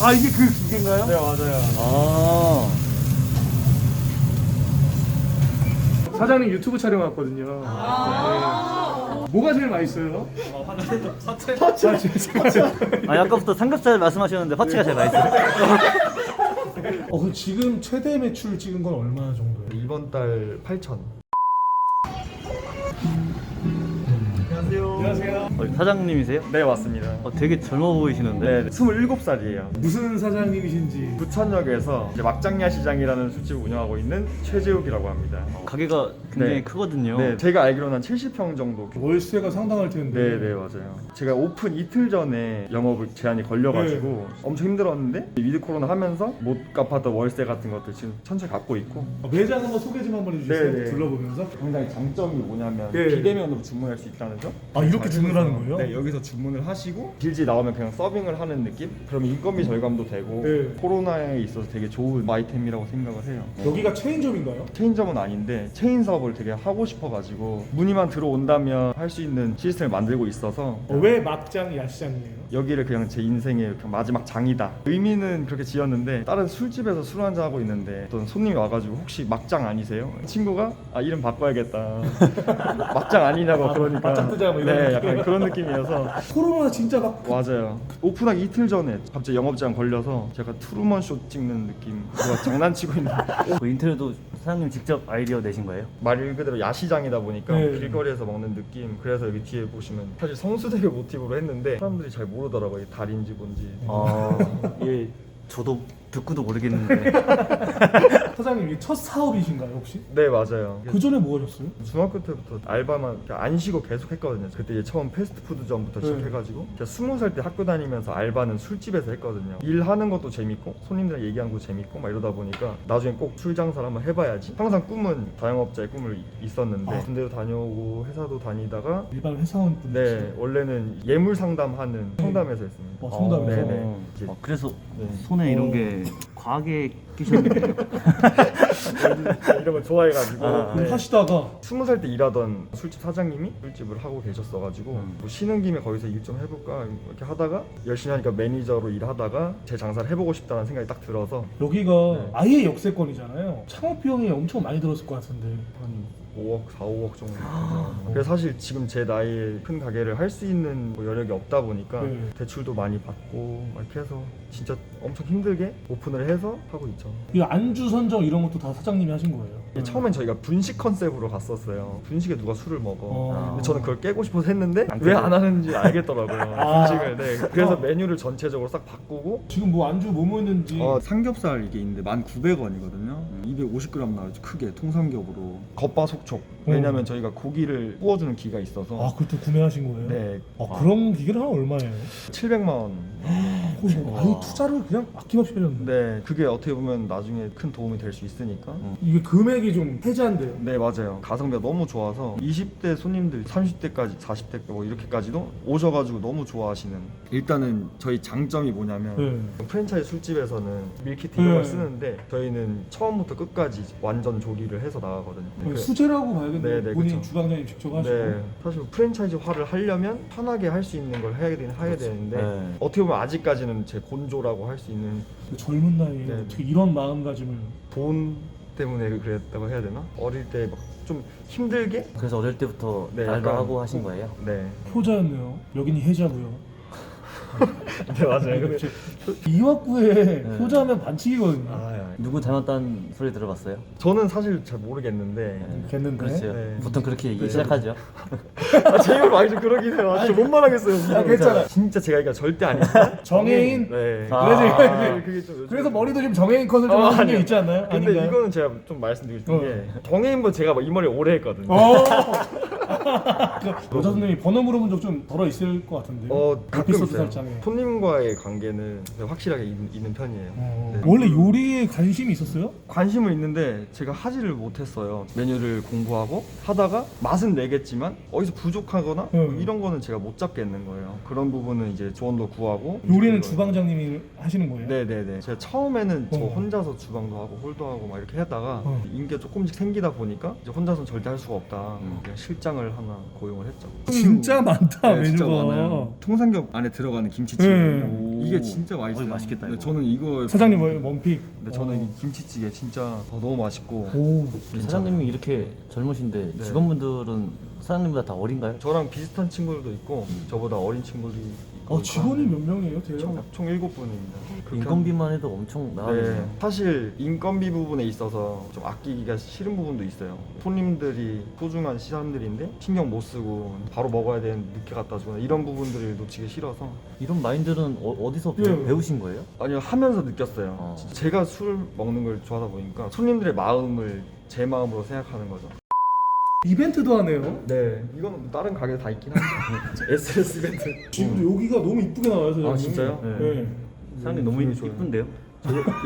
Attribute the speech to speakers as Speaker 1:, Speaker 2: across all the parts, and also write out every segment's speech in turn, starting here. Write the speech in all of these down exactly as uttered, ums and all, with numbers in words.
Speaker 1: 아 이게 그 기계인가요?
Speaker 2: 네 맞아요.
Speaker 3: 아.
Speaker 1: 사장님 유튜브 촬영 왔거든요. 아~ 네. 뭐가 제일 맛있어요?
Speaker 2: 사채.
Speaker 1: 사채.
Speaker 3: 아니 아까부터 삼겹살 말씀하셨는데 화채가 제일 맛있어요.
Speaker 1: 어, 그럼 지금 최대 매출 찍은 건 얼마 정도예요?
Speaker 2: 이번 달 팔천. 안녕하세요.
Speaker 1: 안녕하세요.
Speaker 3: 어, 사장님이세요?
Speaker 2: 네 맞습니다.
Speaker 3: 어, 되게 젊어 보이시는데.
Speaker 2: 네, 스물일곱 살이에요.
Speaker 1: 무슨 사장님이신지.
Speaker 2: 부천역에서 이제 막장야시장이라는 술집을 운영하고 있는 최재욱이라고 합니다.
Speaker 3: 가게가 굉장히
Speaker 2: 네.
Speaker 3: 크거든요.
Speaker 2: 네, 제가 알기로는 한 칠십 평 정도.
Speaker 1: 월세가 상당할 텐데.
Speaker 2: 네, 네 맞아요. 제가 오픈 이틀 전에 영업 제한이 걸려가지고
Speaker 1: 네.
Speaker 2: 엄청 힘들었는데 위드 코로나 하면서 못 갚았던 월세 같은 것들 지금 천천히 갚고 있고.
Speaker 1: 어, 매장 한번 소개 좀 한번 해주세요.
Speaker 2: 네, 네.
Speaker 1: 둘러보면서.
Speaker 2: 굉장히 장점이 뭐냐면
Speaker 1: 네.
Speaker 2: 비대면으로 주문할 수 있다는 점.
Speaker 1: 아 이렇게 주문하는 거예요?
Speaker 2: 네, 여기서 주문을 하시고 빌지 나오면 그냥 서빙을 하는 느낌? 그러면 인건비 절감도 되고
Speaker 1: 네.
Speaker 2: 코로나에 있어서 되게 좋은 아이템이라고 생각을 해요.
Speaker 1: 여기가 체인점인가요?
Speaker 2: 체인점은 아닌데 체인 사업을 되게 하고 싶어가지고 문의만 들어온다면 할 수 있는 시스템을 만들고 있어서
Speaker 1: 어, 왜 막장 야시장이에요?
Speaker 2: 여기를 그냥 제 인생의 그냥 마지막 장이다. 의미는 그렇게 지었는데 다른 술집에서 술 한잔 하고 있는데 어떤 손님이 와가지고 혹시 막장 아니세요? 친구가 아 이름 바꿔야겠다. 막장 아니냐고
Speaker 1: 아,
Speaker 2: 그러니까
Speaker 1: 막장 뜨자 뭐 이런
Speaker 2: 네
Speaker 1: 느낌?
Speaker 2: 약간 그런 느낌이어서
Speaker 1: 코로나 진짜 막
Speaker 2: 맞아요. 오픈하기 이틀 전에 갑자기 영업 제한 걸려서 제가 트루먼 쇼 찍는 느낌. 제가 장난치고 있는
Speaker 3: 그 인터넷도 사장님 직접 아이디어 내신 거예요?
Speaker 2: 말 그대로 야시장이다 보니까
Speaker 1: 네.
Speaker 2: 길거리에서 먹는 느낌. 그래서 여기 뒤에 보시면 사실 성수대교 모티브로 했는데 사람들이 잘 모르더라고요. 이게 달인지 뭔지.
Speaker 3: 아, 예, 저도 듣고도 모르겠는데.
Speaker 1: 사장님 이게 첫 사업이신가요 혹시?
Speaker 2: 네 맞아요.
Speaker 1: 그 전에 뭐 하셨어요?
Speaker 2: 중학교 때부터 알바만 안 쉬고 계속 했거든요. 그때 이제 처음 패스트푸드점부터
Speaker 1: 네.
Speaker 2: 시작해가지고 제가 스무 살 때 학교 다니면서 알바는 술집에서 했거든요. 일하는 것도 재밌고 손님들이랑 얘기하는 것도 재밌고 막 이러다 보니까 나중에 꼭 술 장사를 한번 해봐야지. 항상 꿈은 자영업자의 꿈을 있었는데
Speaker 1: 아.
Speaker 2: 군대도 다녀오고 회사도 다니다가
Speaker 1: 일반 회사원 분이시죠?
Speaker 2: 네 원래는 예물 상담하는 성담에서 했습니다.
Speaker 1: 어, 성담에서?
Speaker 2: 네네. 이제
Speaker 3: 어, 그래서
Speaker 2: 네.
Speaker 3: 손에 이런
Speaker 1: 어.
Speaker 3: 게 과하게 끼셨는데요.
Speaker 2: 이런 걸 좋아해가지고
Speaker 3: 아,
Speaker 2: 네.
Speaker 1: 하시다가
Speaker 2: 스무 살 때 일하던 술집 사장님이 술집을 하고 계셨어가지고
Speaker 3: 음.
Speaker 2: 뭐 쉬는 김에 거기서 일 좀 해볼까 이렇게 하다가 열심히 하니까 매니저로 일하다가 제 장사를 해보고 싶다는 생각이 딱 들어서
Speaker 1: 여기가
Speaker 2: 네.
Speaker 1: 아예 역세권이잖아요. 창업 비용이 엄청 많이 들었을 것 같은데.
Speaker 2: 한 오억, 사, 오억 정도. 그래서 사실 지금 제 나이에 큰 가게를 할 수 있는 뭐 여력이 없다 보니까
Speaker 1: 네.
Speaker 2: 대출도 많이 받고 막 이렇게 해서 진짜 엄청 힘들게 오픈을 해서 하고 있죠.
Speaker 1: 이 안주 선정 이런 것도 다 사장님이 하신 거예요?
Speaker 2: 이게 처음엔 저희가 분식 컨셉으로 갔었어요. 분식에 누가 술을 먹어.
Speaker 1: 어.
Speaker 2: 근데 저는 그걸 깨고 싶어서 했는데
Speaker 3: 안
Speaker 2: 왜
Speaker 3: 깨고.
Speaker 2: 안 하는지 알겠더라고요.
Speaker 1: 아.
Speaker 2: 분식을. 네. 그래서
Speaker 1: 어.
Speaker 2: 메뉴를 전체적으로 싹 바꾸고
Speaker 1: 지금 뭐 안주 뭐 먹는지
Speaker 2: 어, 삼겹살 이게 있는데 만 구백 원이거든요. 이백오십 그램 나와요. 크게 통삼겹으로. 겉바속촉. 왜냐면 저희가 고기를 구워주는 기가 있어서.
Speaker 1: 아 그것도 구매하신 거예요?
Speaker 2: 네.
Speaker 1: 아, 그런 기계는 한 얼마예요?
Speaker 2: 칠백만 원.
Speaker 1: 혹시 아예 투자를 그냥 아낌없이 하셨는데
Speaker 2: 네. 그게 어떻게 보면 나중에 큰 도움이 될 수 있으니까.
Speaker 1: 이게 금액이 좀 해자한데요?
Speaker 2: 네 맞아요. 가성비가 너무 좋아서 이십 대 손님들 삼십 대까지 사십 대 뭐 이렇게까지도 오셔가지고 너무 좋아하시는. 일단은 저희 장점이 뭐냐면
Speaker 1: 네.
Speaker 2: 프랜차이즈 술집에서는 밀키트 이런 걸
Speaker 1: 네.
Speaker 2: 쓰는데 저희는 처음부터 끝까지 완전 조리를 해서 나가거든요. 그-
Speaker 1: 수제라고 봐야겠네요.
Speaker 2: 네, 네,
Speaker 1: 본인
Speaker 2: 그쵸.
Speaker 1: 주방장님 직접 하시고
Speaker 2: 네, 사실 프랜차이즈화를 하려면 편하게 할 수 있는 걸 해야 되긴 해야 되는데
Speaker 3: 네.
Speaker 2: 어떻게 보면 아직까지는 제 곤조라고 할 수 있는
Speaker 1: 그 젊은 나이에
Speaker 2: 네.
Speaker 1: 어떻게 이런 마음가짐을
Speaker 2: 돈 때문에 그랬다고 해야 되나? 어릴 때 막 좀 힘들게?
Speaker 3: 그래서 어릴 때부터
Speaker 2: 네,
Speaker 3: 알바하고
Speaker 2: 약간-
Speaker 3: 하신 거예요?
Speaker 2: 네,
Speaker 1: 효자였네요. 여긴 해자고요.
Speaker 2: 네 맞아요. 근데
Speaker 1: 이화구에 효자하면 반칙이거든요.
Speaker 2: 아, 예.
Speaker 3: 누구 닮았다는 소리 들어봤어요?
Speaker 2: 저는 사실 잘 모르겠는데
Speaker 1: 됐는데.
Speaker 3: 그렇죠.
Speaker 2: 네.
Speaker 3: 보통 그렇게 얘기
Speaker 2: 네.
Speaker 3: 시작하죠.
Speaker 2: 아, 제 입으로 많이 좀 그러긴 해요. 아, 진짜 못 말하겠어요.
Speaker 1: 아, 괜찮아.
Speaker 2: 진짜 제가 이거 절대 아니다.
Speaker 1: 정혜인?
Speaker 2: 네.
Speaker 3: 아.
Speaker 1: 그래서 이거
Speaker 2: 아,
Speaker 1: 이제
Speaker 2: 그게 좀 요즘-
Speaker 1: 그래서 머리도 지금 정혜인 컷을 좀
Speaker 2: 어,
Speaker 1: 하는 게
Speaker 2: 아니요.
Speaker 1: 있지 않나요?
Speaker 2: 근데
Speaker 1: 아닌가요?
Speaker 2: 이거는 제가 좀 말씀드리고 싶은
Speaker 1: 어.
Speaker 2: 게 정혜인분 제가 막 이 머리 오래 했거든요.
Speaker 1: 어. 그 여자 선생님이 번호 물어본 적 좀 덜어 있을 것 같은데.
Speaker 2: 어, 가끔
Speaker 1: 에피소드
Speaker 2: 있어요.
Speaker 1: 살짝에.
Speaker 2: 손님과의 관계는 확실하게 있, 있는 편이에요.
Speaker 1: 어.
Speaker 2: 네.
Speaker 1: 원래 요리에 관심이 있었어요?
Speaker 2: 관심은 있는데 제가 하지를 못했어요. 메뉴를 공부하고 하다가 맛은 내겠지만 어디서 부족하거나
Speaker 1: 음.
Speaker 2: 뭐 이런 거는 제가 못 잡겠는 거예요. 그런 부분은 이제 조언도 구하고.
Speaker 1: 요리는
Speaker 2: 그걸-
Speaker 1: 주방장님이 하시는 거예요?
Speaker 2: 네네네. 제가 처음에는 저
Speaker 1: 어.
Speaker 2: 혼자서 주방도 하고 홀도 하고 막 이렇게 하다가
Speaker 1: 어.
Speaker 2: 인기가 조금씩 생기다 보니까 이제 혼자서는 절대 할 수가 없다.
Speaker 3: 음.
Speaker 2: 그냥 실장을 하나 고용을 했죠.
Speaker 1: 진짜 많다
Speaker 2: 네, 진짜
Speaker 1: 메뉴가.
Speaker 2: 많아요. 통삼겹 안에 들어가는 김치찌개.
Speaker 1: 네.
Speaker 2: 이게 진짜 맛있어요.
Speaker 3: 어이, 맛있겠다,
Speaker 2: 네,
Speaker 3: 이거.
Speaker 2: 저는 이거
Speaker 1: 사장님 뭐 원픽.
Speaker 2: 네, 저는 이 김치찌개 진짜 어, 너무 맛있고.
Speaker 1: 오.
Speaker 3: 사장님이 이렇게 젊으신데
Speaker 2: 네.
Speaker 3: 직원분들은 사장님보다 다 어린가요?
Speaker 2: 저랑 비슷한 친구들도 있고 저보다 어린 친구들이 있고.
Speaker 1: 아 직원이 몇 명이에요, 대략?
Speaker 2: 총, 총 일곱 분입니다.
Speaker 3: 인건비만 해도 엄청
Speaker 2: 네,
Speaker 3: 나가네요.
Speaker 2: 사실 인건비 부분에 있어서 좀 아끼기가 싫은 부분도 있어요. 손님들이 소중한 시선들인데 신경 못 쓰고 바로 먹어야 되는 늦게 갖다 주거나 이런 부분들을 놓치기 싫어서
Speaker 3: 이런 마인드는 어, 디서
Speaker 1: 예.
Speaker 3: 배우신 거예요?
Speaker 2: 아니요 하면서 느꼈어요.
Speaker 3: 어.
Speaker 2: 진짜 제가 술 먹는 걸 좋아하다 보니까 손님들의 마음을 제 마음으로 생각하는 거죠.
Speaker 1: 이벤트도 하네요.
Speaker 2: 네, 이건 다른 가게 다 있긴 한데 에스에스 이벤트.
Speaker 1: 지금도 여기가 너무 이쁘게 나와요, 사장님.
Speaker 2: 아 진짜요?
Speaker 3: 네.
Speaker 1: 네.
Speaker 3: 사장님 너무
Speaker 2: 음, 좋아요.
Speaker 3: 이쁜데요?
Speaker 2: 저 예-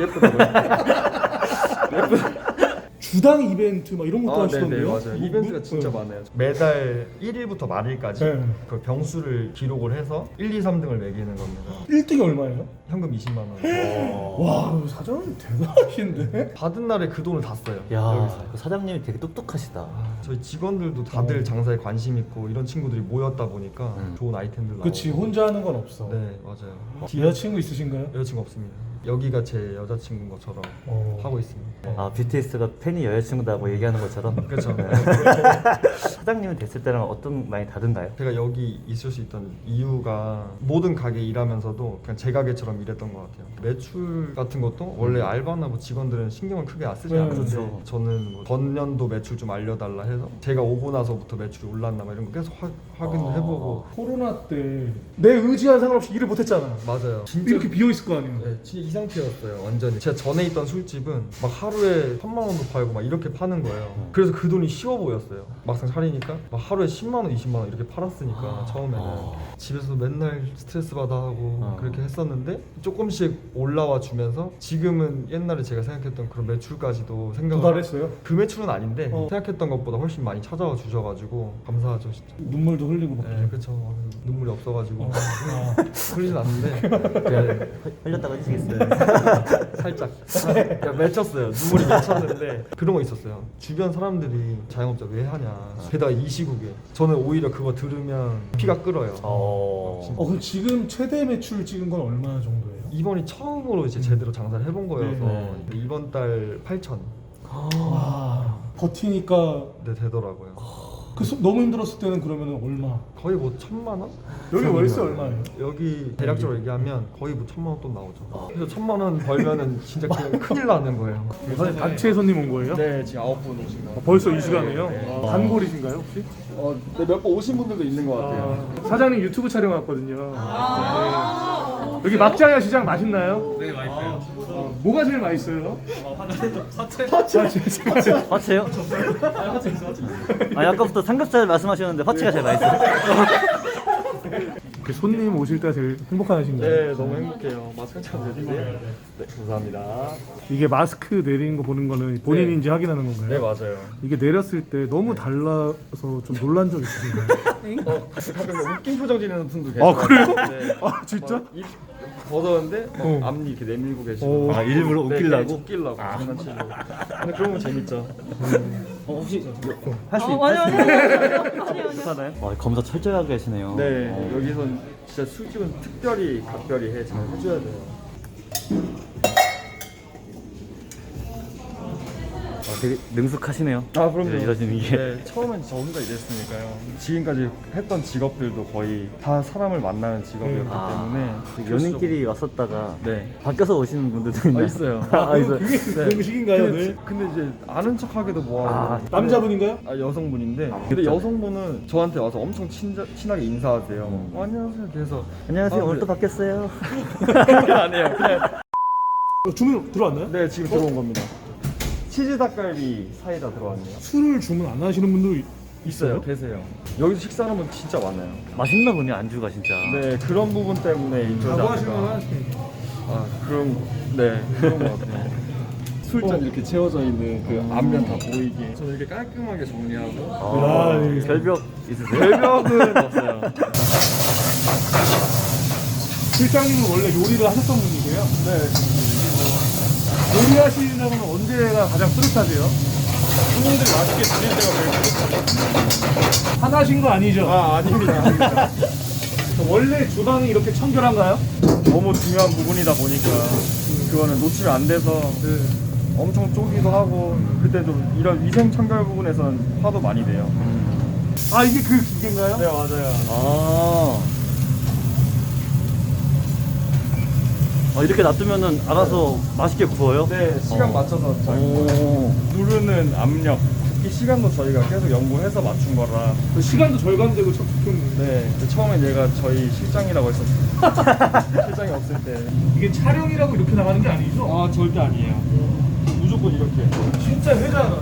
Speaker 2: 예쁘다고요?
Speaker 1: 주당 이벤트 막 이런 것도
Speaker 2: 아, 네네
Speaker 1: 하시던데요?
Speaker 2: 맞아요.
Speaker 1: 뭐,
Speaker 2: 이벤트가
Speaker 1: 뭐,
Speaker 2: 진짜
Speaker 1: 네.
Speaker 2: 많아요. 매달 일 일부터 말일까지
Speaker 1: 네.
Speaker 2: 그 병수를 기록을 해서 일, 이, 삼 등을 매기는 겁니다.
Speaker 1: 일 등이 얼마예요?
Speaker 2: 현금 이십만 원.
Speaker 1: 와, 사장님 대단하신데?
Speaker 2: 받은 날에 그 돈을 다 써요.
Speaker 3: 야,
Speaker 2: 여기서.
Speaker 3: 그 사장님이 되게 똑똑하시다.
Speaker 2: 아, 저희 직원들도 다들
Speaker 1: 어.
Speaker 2: 장사에 관심 있고 이런 친구들이 모였다 보니까
Speaker 3: 음.
Speaker 2: 좋은 아이템들 나오고.
Speaker 1: 그치, 혼자 하는 건 없어.
Speaker 2: 네 맞아요.
Speaker 1: 여자친구 있으신가요?
Speaker 2: 여자친구 없습니다. 여기가 제 여자친구인 것처럼
Speaker 1: 어.
Speaker 2: 하고 있습니다.
Speaker 3: 아, 비티에스가 팬이 여자친구다고 얘기하는 것처럼.
Speaker 2: 그렇죠.
Speaker 3: 사장님이 됐을 때랑 어떤 많이 다른가요?
Speaker 2: 제가 여기 있을 수 있던 이유가 모든 가게 일하면서도 그냥 제 가게처럼 일했던 것 같아요. 매출 같은 것도 원래 알바나 뭐 직원들은 신경을 크게 안 쓰지
Speaker 1: 네,
Speaker 2: 않는데
Speaker 3: 그렇죠.
Speaker 2: 저는 뭐 전년도 매출 좀 알려달라 해서 제가 오고 나서부터 매출이 올랐나 막 이런 거 계속 확, 확인을
Speaker 3: 아.
Speaker 2: 해보고.
Speaker 1: 코로나 때 내 의지와 상관없이 일을 못했잖아.
Speaker 2: 맞아요. 진짜
Speaker 1: 이렇게 비어 있을 거 아니에요.
Speaker 2: 네, 진짜 이 상태였어요. 완전히. 제가 전에 있던 술집은 막 하루에 천만 원도 팔고 막 이렇게 파는 거예요. 그래서 그 돈이 쉬워 보였어요. 막상 차리니까 막 하루에 십만 원, 이십만 원 이렇게 팔았으니까 처음에는 집에서 맨날 스트레스 받아 하고
Speaker 3: 아.
Speaker 2: 그렇게 했었는데 조금씩 올라와 주면서 지금은 옛날에 제가 생각했던 그런 매출까지도 생각을
Speaker 1: 도달했어요?
Speaker 2: 그 매출은 아닌데
Speaker 1: 어.
Speaker 2: 생각했던 것보다 훨씬 많이 찾아와 주셔가지고 감사하죠 진짜.
Speaker 1: 눈물도 흘리고 막.
Speaker 2: 네, 그렇죠. 눈물이 없어가지고
Speaker 1: 아.
Speaker 2: 흘리진 않는데 그냥
Speaker 3: 흘렸다가 해주시겠어요?
Speaker 2: 살짝 그냥 맺혔어요. 눈물이 맺혔는데 그런 거 있었어요. 주변 사람들이 자영업자 왜 하냐. 게다가 이 시국에 저는 오히려 그거 들으면 피가 끓어요.
Speaker 3: 어...
Speaker 1: 어, 그럼 지금 최대 매출 찍은 건 얼마 정도예요?
Speaker 2: 이번이 처음으로 이제 제대로 장사를 해본 거여서
Speaker 1: 네.
Speaker 2: 이번 달 팔천
Speaker 1: 와, 버티니까
Speaker 2: 네, 되더라고요.
Speaker 1: 그 소- 너무 힘들었을 때는 그러면 얼마?
Speaker 2: 거의 뭐 천만 원?
Speaker 1: 여기 월세 얼마예요?
Speaker 2: 여기 대략적으로 얘기하면 거의 뭐 천만 원 돈 나오죠. 그래서 천만 원 벌면은 진짜 그냥 큰일 나는 거예요.
Speaker 1: 사장님 단체 손님 온 거예요?
Speaker 2: 네, 지금 아홉 분 오신 거.
Speaker 1: 아, 벌써 이 시간이에요?
Speaker 2: 네.
Speaker 1: 아, 단골이신가요 혹시?
Speaker 2: 어, 네, 몇 번 오신 분들도 있는 것 같아요.
Speaker 1: 아, 사장님 유튜브 촬영 왔거든요. 네. 여기 막장야 시장 맛있나요? 네, 맛있어요. 어, 뭐가 제일 맛있어요? 화채. 화채. 화채.
Speaker 3: 화채요? 아, 아까부터 삼겹살 말씀하셨는데 화채가 제일 맛있어요.
Speaker 1: 그 손님 오실 때 제일 행복한 하신가요?
Speaker 2: 네, 너무 행복해요. 마스크 잘 내주세요. 네, 감사합니다.
Speaker 1: 이게 마스크 내리는 거 보는 거는 본인인지 확인하는 건가요?
Speaker 2: 네, 맞아요.
Speaker 1: 이게 내렸을 때 너무 달라서 좀 놀란 적 있으신가요?
Speaker 2: 어, 가끔 웃긴 표정 지내는 분도 계세요.
Speaker 1: 아 그래요?
Speaker 2: 네.
Speaker 1: 아 진짜?
Speaker 2: 막 입 벗었는데 막
Speaker 1: 어.
Speaker 2: 앞니 이렇게 내밀고 계시고.
Speaker 1: 어.
Speaker 3: 아, 일부러
Speaker 2: 네,
Speaker 3: 웃기려고?
Speaker 2: 네, 웃기려고 장난치고. 근데 그런 건 재밌죠.
Speaker 3: 어, 혹시 할 수
Speaker 4: 어,
Speaker 3: 있...
Speaker 4: 아니요, 아니요. 아니요, 아니요.
Speaker 3: 괜찮아요? 와, 검사 철저히 하게 하시네요.
Speaker 2: 네,
Speaker 3: 어.
Speaker 2: 여기선 진짜 술집은 특별히 각별히 해 잘 해줘야 돼요.
Speaker 3: 아, 되게 능숙하시네요.
Speaker 2: 아 그럼요.
Speaker 3: 네, 이러시는 게.
Speaker 2: 네, 처음엔 저 혼자 일했으니까요. 지금까지 했던 직업들도 거의 다 사람을 만나는 직업이었기
Speaker 3: 아,
Speaker 2: 때문에
Speaker 3: 연인끼리 왔었다가
Speaker 2: 네.
Speaker 3: 바뀌어서 오시는 분들도
Speaker 2: 아,
Speaker 3: 있나요?
Speaker 2: 있어요.
Speaker 3: 아, 있어요.
Speaker 1: 그게 그런 식인가요?
Speaker 2: 근데,
Speaker 1: 네.
Speaker 2: 근데 이제 아는 척하기도 뭐하고.
Speaker 3: 아,
Speaker 1: 남자분인가요?
Speaker 2: 아 여성분인데 근데 여성분은 저한테 와서 엄청 친, 친하게 인사하세요.
Speaker 3: 음.
Speaker 2: 어, 안녕하세요. 그래서
Speaker 3: 안녕하세요.
Speaker 2: 아,
Speaker 3: 오늘 또
Speaker 2: 네.
Speaker 3: 바뀌었어요.
Speaker 2: 그게 아니에요. 그냥
Speaker 1: 어, 주문 들어왔나요?
Speaker 2: 네 지금 들어온 겁니다. 치즈 닭갈비 사이다 들어왔네요.
Speaker 1: 술을 주문 안 하시는 분도 있어요?
Speaker 2: 계세요. 여기서 식사하는 분 진짜 많아요.
Speaker 3: 맛있나 보네, 안주가 진짜.
Speaker 2: 네 그런 부분 때문에 인터뷰
Speaker 1: 자부하시면 하십니다.
Speaker 2: 아 그런 거- 네 그런 것 같아요. 술잔 이렇게 채워져 있는 그 앞면 다 보이게 저는 이렇게 깔끔하게 정리하고
Speaker 3: 아,
Speaker 1: 아, 예.
Speaker 3: 결벽 있으세요?
Speaker 2: 별벽은 없어요.
Speaker 1: 실장님은 원래 요리를 하셨던 분이세요? 네. 요리하시는 건 언제가 가장 뿌듯하세요?
Speaker 2: 손님들이 맛있게 드실 때가 제일
Speaker 1: 화나신 거 아니죠?
Speaker 2: 아 아닙니다.
Speaker 1: 원래 주방이 이렇게 청결한가요?
Speaker 2: 너무 중요한 부분이다 보니까 그거는 놓치면 안 돼서 엄청 쪼기도 하고 그때 좀 이런 위생 청결 부분에서는 화도 많이 내요.
Speaker 1: 아 이게 그 기계인가요?
Speaker 2: 네 맞아요.
Speaker 3: 아. 아, 이렇게 놔두면은 알아서 맛있게 구워요?
Speaker 2: 네 시간
Speaker 3: 어.
Speaker 2: 맞춰서 잘
Speaker 3: 오.
Speaker 2: 누르는 압력, 굽기 시간도 저희가 계속 연구해서 맞춘 거라.
Speaker 1: 그 시간도 절감되고 참 좋겠네요.
Speaker 2: 네 근데 처음엔 얘가 저희 실장이라고 했었어요. 실장이 없을 때.
Speaker 1: 이게 촬영이라고 이렇게 나가는 게 아니죠?
Speaker 2: 아 절대 아니에요. 무조건 이렇게.
Speaker 1: 진짜 회잖아.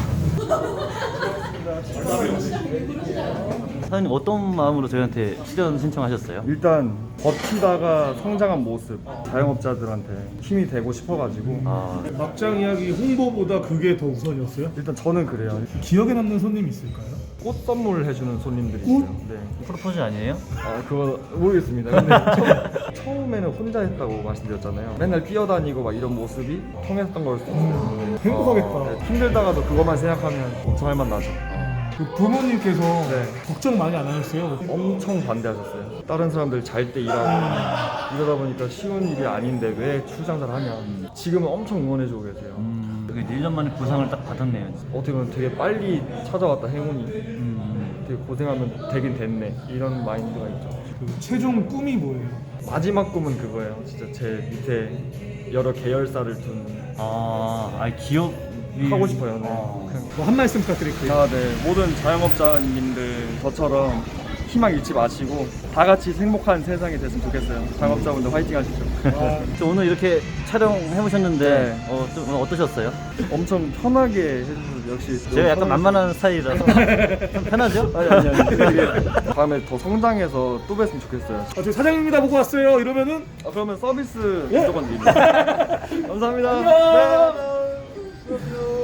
Speaker 3: 사장님 어떤 마음으로 저희한테 출연 신청하셨어요?
Speaker 2: 일단 버티다가 성장한 모습, 자영업자들한테 힘이 되고 싶어가지고.
Speaker 3: 아,
Speaker 1: 막장 이야기 홍보보다 그게 더 우선이었어요?
Speaker 2: 일단 저는 그래요.
Speaker 1: 기억에 남는 손님 있을까요?
Speaker 2: 꽃 선물 해주는 손님들이
Speaker 1: 꽃?
Speaker 2: 있어요. 네.
Speaker 3: 프로포즈 아니에요?
Speaker 2: 아 그거 모르겠습니다. 근데 처음, 처음에는 혼자 했다고 말씀드렸잖아요. 맨날 뛰어다니고 막 이런 모습이 통했던 걸 수도 있어요.
Speaker 1: 행복하겠다.
Speaker 2: 어, 네, 힘들다가도 그것만 생각하면 엄청 할 맛 나죠.
Speaker 1: 그 부모님께서
Speaker 2: 네.
Speaker 1: 걱정 많이 안 하셨어요?
Speaker 2: 엄청 반대하셨어요. 다른 사람들 잘 때 일하고 이러다 보니까 쉬운 일이 아닌데 왜 출장사를 하냐. 지금은 엄청 응원해주고 계세요.
Speaker 3: 음, 그게 일 년 만에 보상을 딱 받았네요.
Speaker 2: 어떻게 보면 되게 빨리 찾아왔다 행운이.
Speaker 3: 음.
Speaker 2: 되게 고생하면 되긴 됐네 이런 마인드가 있죠.
Speaker 1: 그 최종 꿈이 뭐예요?
Speaker 2: 마지막 꿈은 그거예요. 진짜 제 밑에 여러 계열사를 둔
Speaker 3: 아, 아 기업
Speaker 2: 하고 싶어요. 네.
Speaker 3: 아.
Speaker 2: 그냥
Speaker 1: 뭐 한 말씀 부탁드릴게요.
Speaker 2: 아, 네. 모든 자영업자님들 저처럼 희망 잃지 마시고 다 같이 행복한 세상이 됐으면 좋겠어요. 자영업자분들 화이팅 하시죠.
Speaker 3: 저 오늘 이렇게 촬영해 보셨는데
Speaker 2: 네.
Speaker 3: 어, 좀 오늘 어떠셨어요?
Speaker 2: 엄청 편하게 해주셔서 역시
Speaker 3: 제가 약간
Speaker 2: 너무
Speaker 3: 만만한 스타일이라서 좀 편하죠?
Speaker 2: 아니 아니 아니 되게 다음에 더 성장해서 또 뵀으면 좋겠어요.
Speaker 1: 아, 저 사장님이다 보고 왔어요. 이러면은
Speaker 2: 아, 그러면 서비스
Speaker 1: 예?
Speaker 2: 무조건 드립니다. 감사합니다.
Speaker 1: 안녕.
Speaker 2: 네.